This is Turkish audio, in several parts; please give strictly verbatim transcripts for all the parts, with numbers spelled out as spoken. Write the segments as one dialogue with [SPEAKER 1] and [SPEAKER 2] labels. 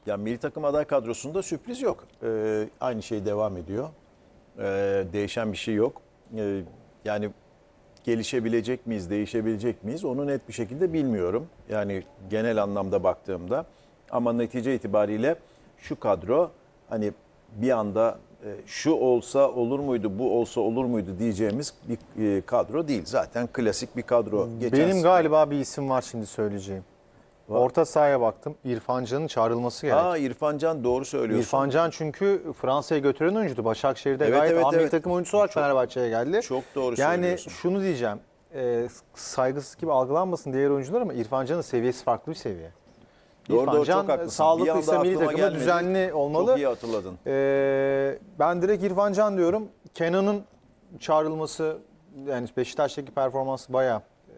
[SPEAKER 1] Ya milli takım aday kadrosunda sürpriz yok. Ee, aynı şey devam ediyor. Ee, değişen bir şey yok. Ee, yani gelişebilecek miyiz, değişebilecek miyiz onu net bir şekilde bilmiyorum. Yani genel anlamda baktığımda. Ama netice itibariyle şu kadro hani bir anda e, şu olsa olur muydu, bu olsa olur muydu diyeceğimiz bir e, kadro değil. Zaten klasik bir kadro. Geçen
[SPEAKER 2] Benim
[SPEAKER 1] sene-
[SPEAKER 2] galiba bir isim var şimdi söyleyeceğim.
[SPEAKER 1] Var.
[SPEAKER 2] Orta sahaya baktım. İrfan Can'ın çağrılması gerek.
[SPEAKER 1] Aa, İrfan Can doğru söylüyorsun.
[SPEAKER 2] İrfan Can çünkü Fransa'ya götüren oyuncuydu. Başakşehir'de
[SPEAKER 1] Evet,
[SPEAKER 2] gayet
[SPEAKER 1] evet,
[SPEAKER 2] A milli
[SPEAKER 1] evet.
[SPEAKER 2] takım oyuncusu var, Fenerbahçe'ye geldi.
[SPEAKER 1] Çok doğru
[SPEAKER 2] yani
[SPEAKER 1] söylüyorsun.
[SPEAKER 2] şunu diyeceğim. E, saygısız gibi algılanmasın diğer oyuncular ama İrfan Can'ın seviyesi farklı bir seviye.
[SPEAKER 1] Doğru,
[SPEAKER 2] İrfan
[SPEAKER 1] doğru,
[SPEAKER 2] Can
[SPEAKER 1] çok haklısın. Bir
[SPEAKER 2] sağlıklıysa
[SPEAKER 1] anda
[SPEAKER 2] milli
[SPEAKER 1] aklıma
[SPEAKER 2] takıma
[SPEAKER 1] gelmedi.
[SPEAKER 2] düzenli olmalı.
[SPEAKER 1] Çok iyi hatırladın.
[SPEAKER 2] Ee, ben direkt İrfan Can diyorum. Kenan'ın çağrılması, yani Beşiktaş'taki performansı bayağı e,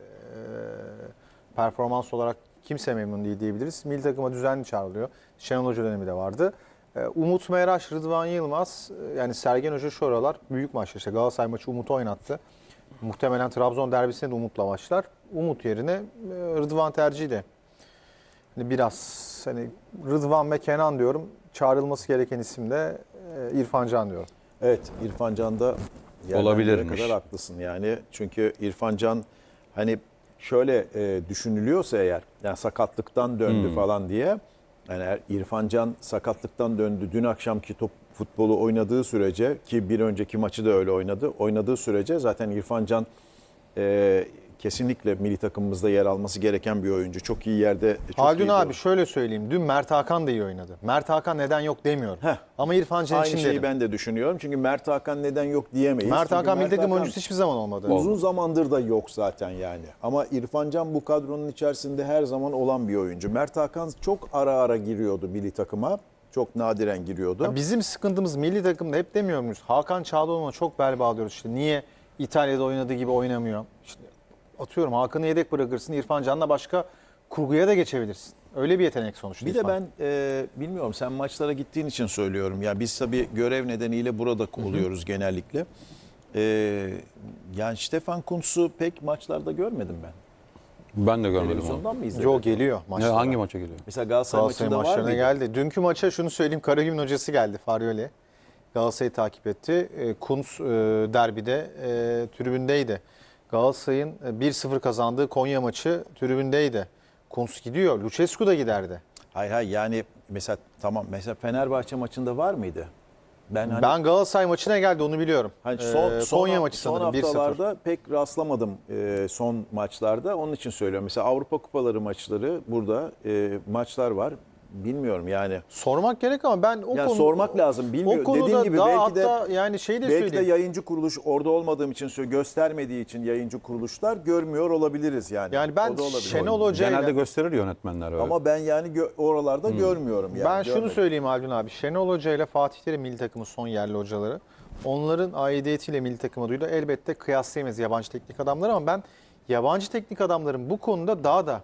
[SPEAKER 2] performans olarak kimse memnun değil diyebiliriz. Milli takıma düzenli çağrılıyor. Şenol Hoca dönemi de vardı. Ee, Umut Meraş, Rıdvan Yılmaz, e, yani Sergen Hoca şu aralar büyük maçlar. İşte Galatasaray maçı Umut'u oynattı. Muhtemelen Trabzon derbisinde de Umut'la başlar. Umut yerine e, Rıdvan tercihi de. Hani biraz hani Rıdvan ve Kenan diyorum. Çağrılması gereken isim de e, İrfan Can diyorum.
[SPEAKER 1] Evet, İrfan Can'da yerden
[SPEAKER 3] Olabilirmiş.
[SPEAKER 1] yere kadar haklısın yani. Çünkü İrfan Can hani şöyle e, düşünülüyorsa eğer yani sakatlıktan döndü
[SPEAKER 3] Hmm.
[SPEAKER 1] falan diye yani eğer İrfan Can sakatlıktan döndü dün akşamki top futbolu oynadığı sürece ki bir önceki maçı da öyle oynadı. Oynadığı sürece zaten İrfan Can e, kesinlikle milli takımımızda yer alması gereken bir oyuncu. Çok iyi yerde. Çok
[SPEAKER 2] Haldun
[SPEAKER 1] iyi
[SPEAKER 2] abi
[SPEAKER 1] bir-
[SPEAKER 2] şöyle söyleyeyim. Dün Mert Hakan da iyi oynadı. Mert Hakan neden yok demiyorum.
[SPEAKER 1] Heh.
[SPEAKER 2] Ama İrfan Can
[SPEAKER 1] Aynı
[SPEAKER 2] için
[SPEAKER 1] şeyi
[SPEAKER 2] dedim.
[SPEAKER 1] ben de düşünüyorum. Çünkü Mert Hakan neden yok diyemeyiz.
[SPEAKER 2] Mert
[SPEAKER 1] Çünkü
[SPEAKER 2] Hakan milli takım
[SPEAKER 1] Hakan-
[SPEAKER 2] oyuncusu hiçbir zaman olmadı.
[SPEAKER 1] Uzun zamandır da yok zaten yani. Ama İrfan Can bu kadronun içerisinde her zaman olan bir oyuncu. Mert Hakan çok ara ara giriyordu milli takıma. Çok nadiren giriyordu.
[SPEAKER 2] Ya bizim sıkıntımız milli takımda hep demiyor muyuz? Hakan Çağlayan'a çok bel bağlıyoruz işte. Niye İtalya'da oynadığı gibi oynamıyor? İşte atıyorum Hakan'ı yedek bırakırsın. İrfan Can'la başka kurguya da geçebilirsin. Öyle bir yetenek sonuçta.
[SPEAKER 1] Bir de
[SPEAKER 2] İrfan.
[SPEAKER 1] ben e, bilmiyorum sen maçlara gittiğin için söylüyorum. Ya biz tabii görev nedeniyle burada oluyoruz genellikle. E, yani Stefan Kuntz'u pek maçlarda görmedim ben.
[SPEAKER 3] Ben de görmedim onu.
[SPEAKER 1] Televizyondan mı izledin?
[SPEAKER 2] Joe geliyor
[SPEAKER 3] Ne,
[SPEAKER 2] maçlara.
[SPEAKER 3] hangi maça geliyor?
[SPEAKER 1] Mesela Galatasaray,
[SPEAKER 2] Galatasaray
[SPEAKER 1] maçında var
[SPEAKER 2] maçlarına
[SPEAKER 1] mıydı?
[SPEAKER 2] geldi. Dünkü maça şunu söyleyeyim. Karagümrük hocası geldi Faryoli. Galatasaray'ı takip etti. E, Kuntz e, derbide e, tribündeydi. Galatasaray'ın e, bir sıfır kazandığı Konya maçı tribündeydi. Kuntz gidiyor. Lucescu da giderdi.
[SPEAKER 1] Hay hay yani mesela tamam mesela Fenerbahçe maçında var mıydı? Ben hani
[SPEAKER 2] Ben Galatasaray maçına geldi onu biliyorum.
[SPEAKER 1] Hani son,
[SPEAKER 2] E,
[SPEAKER 1] son,
[SPEAKER 2] Konya maçı
[SPEAKER 1] son
[SPEAKER 2] sanırım bir sıfır.
[SPEAKER 1] haftalarda pek rastlamadım e, son maçlarda. Onun için söylüyorum. Mesela Avrupa Kupaları maçları burada e, maçlar var. Bilmiyorum yani.
[SPEAKER 2] Sormak gerek ama ben o
[SPEAKER 1] Yani
[SPEAKER 2] konu
[SPEAKER 1] sormak lazım. Bilmiyorum.
[SPEAKER 2] O konuda
[SPEAKER 1] Dediğin gibi
[SPEAKER 2] daha
[SPEAKER 1] belki de
[SPEAKER 2] hatta yani şey de
[SPEAKER 1] belki de
[SPEAKER 2] söyleyeyim.
[SPEAKER 1] yayıncı kuruluş orada olmadığım için söylüyorum, göstermediği için yayıncı kuruluşlar görmüyor olabiliriz yani.
[SPEAKER 2] Yani ben
[SPEAKER 1] O da olabilir.
[SPEAKER 2] Şenol Hoca
[SPEAKER 3] Genelde
[SPEAKER 2] ile
[SPEAKER 3] gösterir yönetmenler öyle.
[SPEAKER 1] Ama ben yani gö- oralarda görmüyorum yani.
[SPEAKER 2] ben şunu
[SPEAKER 1] görmedim.
[SPEAKER 2] söyleyeyim Haldun abi. Şenol Hoca ile Fatih Terim milli takımın son yerli hocaları. Onların aidiyetiyle milli takıma duydu. Elbette kıyaslayamayız yabancı teknik adamları ama ben yabancı teknik adamların bu konuda daha da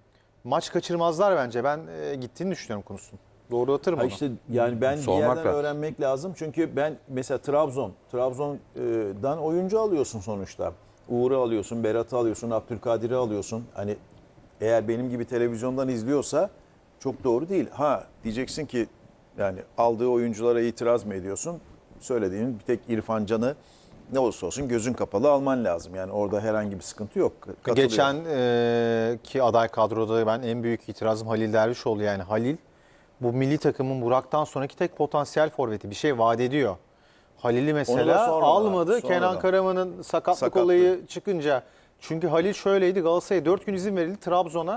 [SPEAKER 2] maç kaçırmazlar bence. Ben e, gittiğini düşünüyorum konusunu. Doğrulatırım
[SPEAKER 1] Ha
[SPEAKER 2] onu.
[SPEAKER 1] işte yani ben bir
[SPEAKER 3] Sormak
[SPEAKER 1] yerden
[SPEAKER 3] lazım.
[SPEAKER 1] öğrenmek lazım. Çünkü ben mesela Trabzon, Trabzon'dan oyuncu alıyorsun sonuçta. Uğur'u alıyorsun, Berat'ı alıyorsun, Abdülkadir'i alıyorsun. Hani eğer benim gibi televizyondan izliyorsa çok doğru değil. Ha diyeceksin ki yani aldığı oyunculara itiraz mı ediyorsun? Söylediğin bir tek İrfan Can'ı ne olursa olsun gözün kapalı alman lazım. Yani orada herhangi bir sıkıntı yok. Katılıyorum.
[SPEAKER 2] Geçen e, ki aday kadroda ben en büyük itirazım Halil Dervişoğlu. Yani Halil bu milli takımın Burak'tan sonraki tek potansiyel forveti. Bir şey vaat ediyor. Halil'i
[SPEAKER 1] Onu da
[SPEAKER 2] mesela
[SPEAKER 1] sonradan,
[SPEAKER 2] almadı.
[SPEAKER 1] sonradan.
[SPEAKER 2] Kenan Karaman'ın sakatlık
[SPEAKER 1] Sakatlığı.
[SPEAKER 2] olayı çıkınca. Çünkü Halil şöyleydi. Galatasaray'a dört gün izin verildi. Trabzon'a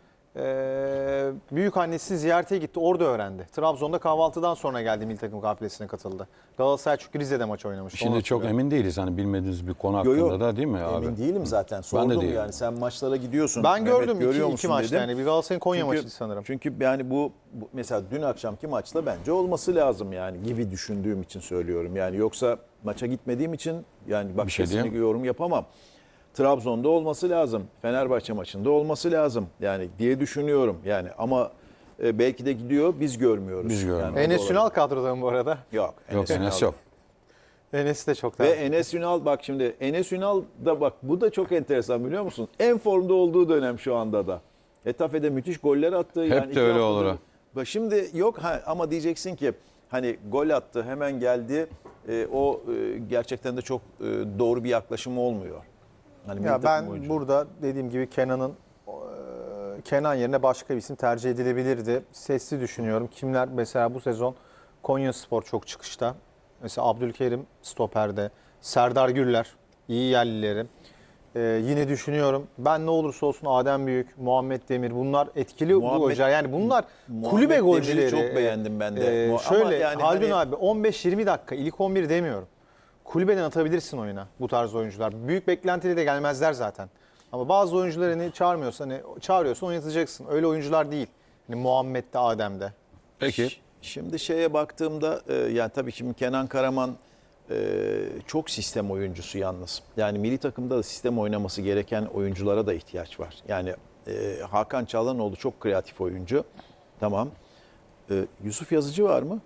[SPEAKER 2] e, büyük annesini ziyarete gitti. Orada öğrendi. Trabzon'da kahvaltıdan sonra geldi milli takım kafilesine katıldı. Galatasaray çünkü Rize'de maç oynamış.
[SPEAKER 3] Şimdi çok emin değiliz hani bilmediğiniz bir konu
[SPEAKER 1] Yo,
[SPEAKER 3] hakkında
[SPEAKER 1] yo,
[SPEAKER 3] da değil mi abi?
[SPEAKER 1] Emin değilim zaten.
[SPEAKER 3] Ben de
[SPEAKER 1] Sordum
[SPEAKER 3] değilim.
[SPEAKER 1] yani sen maçlara gidiyorsun.
[SPEAKER 2] Ben
[SPEAKER 1] Mehmet,
[SPEAKER 2] gördüm
[SPEAKER 1] görüyor
[SPEAKER 2] iki, iki
[SPEAKER 1] musun
[SPEAKER 2] maçta
[SPEAKER 1] dedim.
[SPEAKER 2] yani. Bir Galatasaray'ın Konya
[SPEAKER 1] Çünkü-
[SPEAKER 2] maçıydı sanırım.
[SPEAKER 1] Çünkü yani bu, bu mesela dün akşamki maçta bence olması lazım yani gibi düşündüğüm için söylüyorum. Yani yoksa maça gitmediğim için yani bak
[SPEAKER 3] Bir şey
[SPEAKER 1] kesinlikle
[SPEAKER 3] diyeyim.
[SPEAKER 1] yorum yapamam. Trabzon'da olması lazım. Fenerbahçe maçında olması lazım. Yani diye düşünüyorum. Yani ama e, belki de gidiyor biz görmüyoruz.
[SPEAKER 3] Biz görmüyoruz.
[SPEAKER 1] Yani o da
[SPEAKER 2] Enes
[SPEAKER 1] olabilir.
[SPEAKER 2] Ünal kadroda mı bu arada?
[SPEAKER 1] Yok.
[SPEAKER 3] Yok Enes yok.
[SPEAKER 2] Enes'i de çok
[SPEAKER 1] Ve
[SPEAKER 2] daha.
[SPEAKER 1] Enes Ünal bak şimdi Enes Ünal da bak bu da çok enteresan biliyor musun? En formda olduğu dönem şu anda da. Etafe'de müthiş goller attı.
[SPEAKER 3] Hep
[SPEAKER 1] yani
[SPEAKER 3] de
[SPEAKER 1] iki
[SPEAKER 3] öyle
[SPEAKER 1] haftadır
[SPEAKER 3] olur ha.
[SPEAKER 1] Bak şimdi yok ha, ama diyeceksin ki hani gol attı hemen geldi. E, o e, gerçekten de çok e, doğru bir yaklaşım olmuyor. Hani milli
[SPEAKER 2] Ya
[SPEAKER 1] takım
[SPEAKER 2] ben
[SPEAKER 1] oyuncu.
[SPEAKER 2] burada dediğim gibi Kenan'ın e, Kenan yerine başka bir isim tercih edilebilirdi. Sesli düşünüyorum. Kimler mesela bu sezon Konyaspor çok çıkışta. Mesela Abdülkerim stoperde. Serdar Gürler iyi yerlileri. E, yine düşünüyorum. Ben ne olursa olsun Adem Büyük, Muhammed Demir bunlar etkili
[SPEAKER 1] Muhammed-
[SPEAKER 2] bu hoca. Yani bunlar
[SPEAKER 1] Muhammed
[SPEAKER 2] kulübe
[SPEAKER 1] Demir'i
[SPEAKER 2] golcüleri.
[SPEAKER 1] çok beğendim ben de.
[SPEAKER 2] E,
[SPEAKER 1] Ama
[SPEAKER 2] şöyle
[SPEAKER 1] yani
[SPEAKER 2] Haldun
[SPEAKER 1] hani-
[SPEAKER 2] abi on beş yirmi dakika ilk on bir demiyorum. Kulübeden atabilirsin oyuna bu tarz oyuncular. Büyük beklentiyle de gelmezler zaten. Ama bazı oyuncuları hani çağırmıyorsan, hani çağırıyorsan oynatacaksın. Öyle oyuncular değil. Hani Muhammed'de, Adem'de.
[SPEAKER 3] Peki.
[SPEAKER 1] Ş- Şimdi şeye baktığımda e, yani tabii şimdi Kenan Karaman e, çok sistem oyuncusu yalnız. Yani milli takımda da sistem oynaması gereken oyunculara da ihtiyaç var. Yani e, Hakan Çalhanoğlu çok kreatif oyuncu. Tamam. E, Yusuf Yazıcı var mı?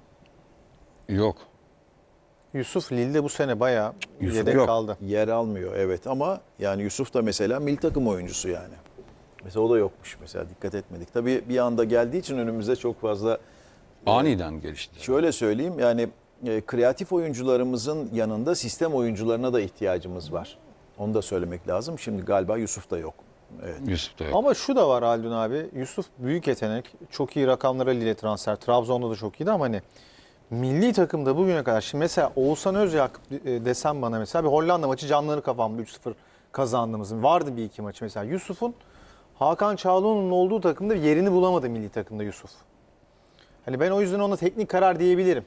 [SPEAKER 3] Yok.
[SPEAKER 2] Yusuf Lille'de bu sene bayağı
[SPEAKER 3] Yusuf
[SPEAKER 2] yedek
[SPEAKER 3] yok.
[SPEAKER 2] kaldı.
[SPEAKER 1] Yer almıyor evet ama yani Yusuf da mesela milli takım oyuncusu yani. Mesela o da yokmuş mesela dikkat etmedik. Tabii bir anda geldiği için önümüzde çok fazla
[SPEAKER 3] Aniden gelişti.
[SPEAKER 1] şöyle söyleyeyim yani e, kreatif oyuncularımızın yanında sistem oyuncularına da ihtiyacımız var. Onu da söylemek lazım. Şimdi galiba Yusuf da yok. Evet.
[SPEAKER 3] Yusuf da yok.
[SPEAKER 2] Ama şu da var Haldun abi. Yusuf büyük yetenek. Çok iyi rakamlara Lille transfer. Trabzon'da da çok iyiydi ama hani milli takımda bugüne kadar. Şimdi mesela Oğuzhan Özyakup e, desem bana mesela bir Hollanda maçı canları kafamda üç sıfır kazandığımız. Vardı bir iki maçı mesela. Yusuf'un Hakan Çalhanoğlu'nun olduğu takımda yerini bulamadı milli takımda Yusuf. Hani ben o yüzden ona teknik karar diyebilirim.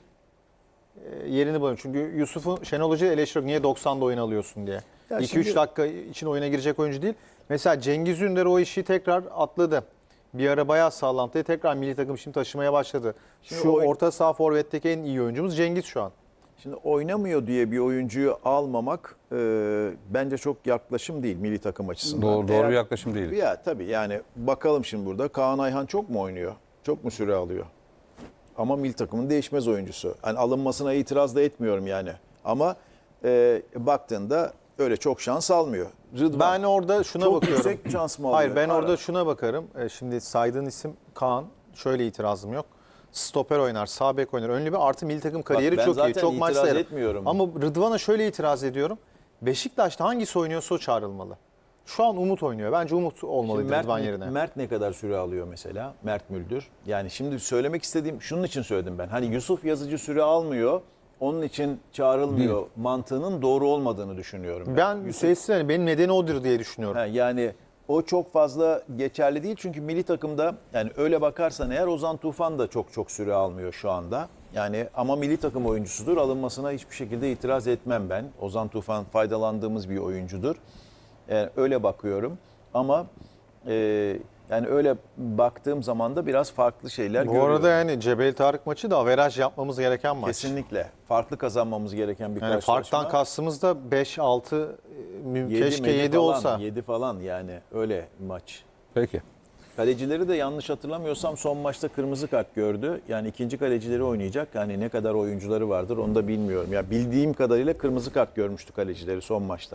[SPEAKER 2] E, yerini bulamıyorum. Çünkü Yusuf'un Şenol Hoca eleştiriyor. Niye doksanda oyun alıyorsun diye.
[SPEAKER 1] Ya
[SPEAKER 2] iki üç
[SPEAKER 1] şimdi-
[SPEAKER 2] dakika için oyuna girecek oyuncu değil. Mesela Cengiz Ünder o işi tekrar atladı. Bir ara bayağı sağlantıyı tekrar milli takım şimdi taşımaya başladı.
[SPEAKER 1] Şimdi
[SPEAKER 2] Şu
[SPEAKER 1] o-
[SPEAKER 2] orta saha forvetteki en iyi oyuncumuz Cengiz şu an.
[SPEAKER 1] Şimdi oynamıyor diye bir oyuncuyu almamak e, bence çok yaklaşım değil milli takım açısından.
[SPEAKER 3] Doğru, doğru
[SPEAKER 1] Eğer-
[SPEAKER 3] bir yaklaşım değil.
[SPEAKER 1] Ya tabii yani bakalım şimdi burada Kaan Ayhan çok mu oynuyor? Çok mu süre alıyor? Ama milli takımın değişmez oyuncusu. Hani alınmasına itiraz da etmiyorum yani. Ama e, baktığında öyle çok şans almıyor. Rıdvan
[SPEAKER 2] Ben orada şuna
[SPEAKER 1] çok
[SPEAKER 2] bakıyorum.
[SPEAKER 1] yüksek şans mı alıyor?
[SPEAKER 2] Hayır ben
[SPEAKER 1] Ara.
[SPEAKER 2] orada şuna bakarım. E, Şimdi saydığın isim Kaan. Şöyle itirazım yok. Stoper oynar, sağ bek oynar. Önlü bir artı milli takım kariyeri
[SPEAKER 1] ben
[SPEAKER 2] çok iyi.
[SPEAKER 1] zaten
[SPEAKER 2] Çok maç
[SPEAKER 1] itiraz
[SPEAKER 2] sayarım.
[SPEAKER 1] etmiyorum.
[SPEAKER 2] Ama Rıdvan'a şöyle itiraz ediyorum. Beşiktaş'ta hangisi oynuyorsa o çağrılmalı. Şu an Umut oynuyor. Bence Umut olmalıydı
[SPEAKER 1] Şimdi Mert,
[SPEAKER 2] Rıdvan
[SPEAKER 1] ne-
[SPEAKER 2] yerine.
[SPEAKER 1] Mert ne kadar süre alıyor mesela? Mert Müldür. Yani şimdi söylemek istediğim şunun için söyledim ben. Hani Yusuf Yazıcı süre almıyor. Onun için çağrılmıyor mantığının doğru olmadığını düşünüyorum. Ben,
[SPEAKER 2] Ben
[SPEAKER 1] Yusuf-
[SPEAKER 2] sessiz hani benim nedeni odur diye düşünüyorum.
[SPEAKER 1] Ha, yani o çok fazla geçerli değil çünkü milli takımda yani öyle bakarsan eğer Ozan Tufan da çok çok süre almıyor şu anda. Yani ama milli takım oyuncusudur. Alınmasına hiçbir şekilde itiraz etmem ben. Ozan Tufan faydalandığımız bir oyuncudur. Yani öyle bakıyorum ama e, yani öyle baktığım zaman da biraz farklı şeyler
[SPEAKER 2] Bu
[SPEAKER 1] görüyorum.
[SPEAKER 2] arada yani Cebel Tarık maçı da averaj yapmamız gereken maç.
[SPEAKER 1] Kesinlikle farklı kazanmamız gereken bir
[SPEAKER 2] Yani
[SPEAKER 1] karşılaşma.
[SPEAKER 2] farktan kastımız da beş altı
[SPEAKER 1] Yedi,
[SPEAKER 2] keşke
[SPEAKER 1] medi
[SPEAKER 2] yedi
[SPEAKER 1] falan,
[SPEAKER 2] olsa.
[SPEAKER 1] yedi falan yani öyle maç.
[SPEAKER 3] Peki.
[SPEAKER 1] Kalecileri de yanlış hatırlamıyorsam son maçta kırmızı kart gördü. Yani ikinci kalecileri oynayacak. Yani ne kadar oyuncuları vardır onu da bilmiyorum. Ya bildiğim kadarıyla kırmızı kart görmüştü kalecileri son maçta.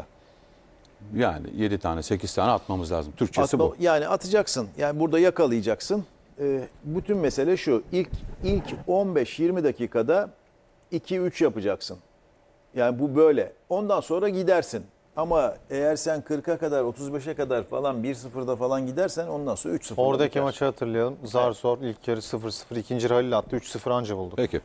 [SPEAKER 3] Yani yedi tane sekiz tane atmamız lazım. Türkçesi
[SPEAKER 1] Atma-
[SPEAKER 3] bu.
[SPEAKER 1] Yani atacaksın. Yani burada yakalayacaksın. Ee, bütün mesele şu. İlk ilk on beş yirmi dakikada iki üç yapacaksın. Yani bu böyle. Ondan sonra gidersin. Ama eğer sen kırka kadar otuz beşe kadar falan bir sıfırda falan gidersen ondan sonra üç sıfır.
[SPEAKER 2] Oradaki maçı hatırlayalım. Zar zor ilk yarı sıfır sıfır. İkinci Halil attı. üç sıfır anca bulduk.
[SPEAKER 3] Peki.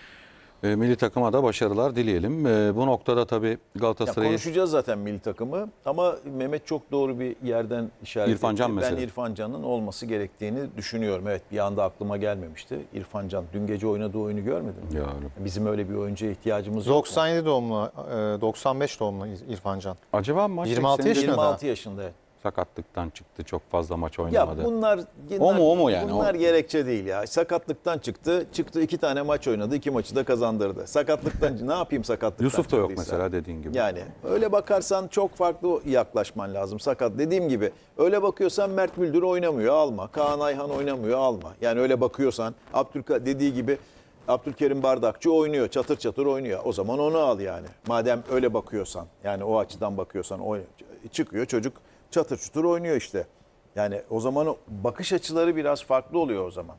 [SPEAKER 3] E, milli takıma da başarılar dileyelim. E, bu noktada tabii
[SPEAKER 1] Ya
[SPEAKER 3] Galatasaray'ı
[SPEAKER 1] konuşacağız zaten milli takımı ama Mehmet çok doğru bir yerden işaret
[SPEAKER 3] İrfan Can
[SPEAKER 1] etti. Ben
[SPEAKER 3] mesela.
[SPEAKER 1] İrfan Can'ın olması gerektiğini düşünüyorum. Evet bir anda aklıma gelmemişti. İrfan Can dün gece oynadığı oyunu görmedin mi?
[SPEAKER 3] Ya öyle.
[SPEAKER 1] Bizim öyle bir oyuncuya ihtiyacımız yok. mu?
[SPEAKER 2] doksan yedi doğumlu, e, doksan beş doğumlu İrfan Can.
[SPEAKER 3] Acaba maç
[SPEAKER 2] yirmi altı
[SPEAKER 3] ekseninde
[SPEAKER 2] yaşında.
[SPEAKER 1] yirmi altı yaşında. evet.
[SPEAKER 3] sakatlıktan çıktı. Çok fazla maç
[SPEAKER 1] Ya
[SPEAKER 3] oynamadı.
[SPEAKER 1] bunlar,
[SPEAKER 3] O mu, o mu yani?
[SPEAKER 1] Bunlar
[SPEAKER 3] O-
[SPEAKER 1] gerekçe değil ya. Sakatlıktan çıktı. Çıktı iki tane maç oynadı. İki maçı da kazandırdı. Sakatlıktan ne yapayım sakatlıktan
[SPEAKER 3] Yusuf da yok
[SPEAKER 1] çıktıysa?
[SPEAKER 3] mesela dediğin gibi.
[SPEAKER 1] Yani öyle bakarsan çok farklı yaklaşman lazım. Sakat dediğim gibi öyle bakıyorsan Mert Müldür oynamıyor alma. Kaan Ayhan oynamıyor alma. Yani öyle bakıyorsan Abdülka dediği gibi Abdülkerim Bardakçı oynuyor. Çatır çatır oynuyor. O zaman onu al yani. Madem öyle bakıyorsan yani o açıdan bakıyorsan o çıkıyor çocuk çatır çutur oynuyor işte. Yani o zaman o bakış açıları biraz farklı oluyor o zaman.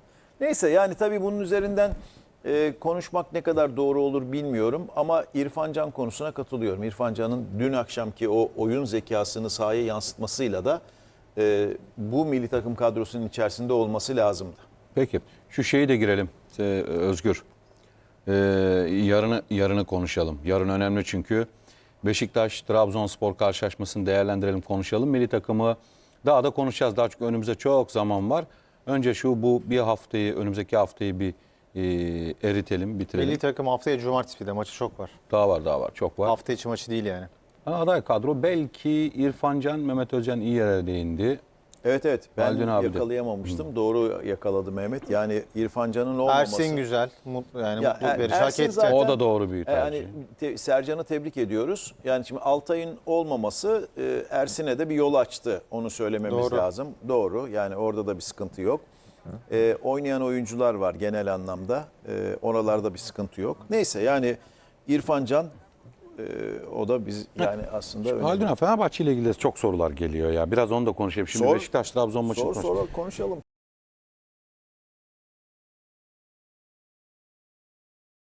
[SPEAKER 1] Neyse yani tabii bunun üzerinden e, konuşmak ne kadar doğru olur bilmiyorum ama İrfan Can konusuna katılıyorum. İrfan Can'ın dün akşamki o oyun zekasını sahaya yansıtmasıyla da e, bu milli takım kadrosunun içerisinde olması lazımdı.
[SPEAKER 3] Peki şu şeyi de girelim ee, Özgür. Ee, yarını yarını konuşalım. Yarın önemli çünkü Beşiktaş-Trabzonspor karşılaşmasını değerlendirelim, konuşalım. Milli takımı daha da konuşacağız. Daha çünkü önümüzde çok zaman var. Önce şu bu bir haftayı, önümüzdeki haftayı bir e, eritelim, bitirelim.
[SPEAKER 2] Milli takım haftaya cumartesi bir de maçı çok var.
[SPEAKER 3] Daha var, daha var, çok var.
[SPEAKER 2] Hafta içi maçı değil yani.
[SPEAKER 3] Ha, aday kadro belki İrfan Can, Mehmet Özcan iyi yere değindi.
[SPEAKER 1] Evet evet ben
[SPEAKER 3] Haldun abi de.
[SPEAKER 1] yakalayamamıştım. Doğru yakaladı Mehmet. Yani İrfan Can'ın olmaması.
[SPEAKER 2] Ersin güzel. Mutlu, yani
[SPEAKER 1] Ya,
[SPEAKER 2] mutlu
[SPEAKER 1] Er-
[SPEAKER 2] verici hak
[SPEAKER 1] Ersin
[SPEAKER 2] etti.
[SPEAKER 1] zaten-
[SPEAKER 3] O da doğru bir tercih.
[SPEAKER 1] Yani te- Sercan'ı tebrik ediyoruz. Yani şimdi Altay'ın olmaması e, Ersin'e de bir yol açtı. Onu söylememiz
[SPEAKER 2] Doğru.
[SPEAKER 1] lazım. Doğru. Yani orada da bir sıkıntı yok. E, oynayan oyuncular var genel anlamda. E, oralarda bir sıkıntı yok. Neyse yani İrfan Can e, o da biz yani aslında önemli.
[SPEAKER 3] Haldun abi, Fenerbahçe ile ilgili de çok sorular geliyor ya. Biraz onu da konuşayım. Şimdi
[SPEAKER 1] Sor.
[SPEAKER 3] Beşiktaş-Trabzon maçı
[SPEAKER 1] Sor
[SPEAKER 3] konuş-
[SPEAKER 1] sonra konuşalım.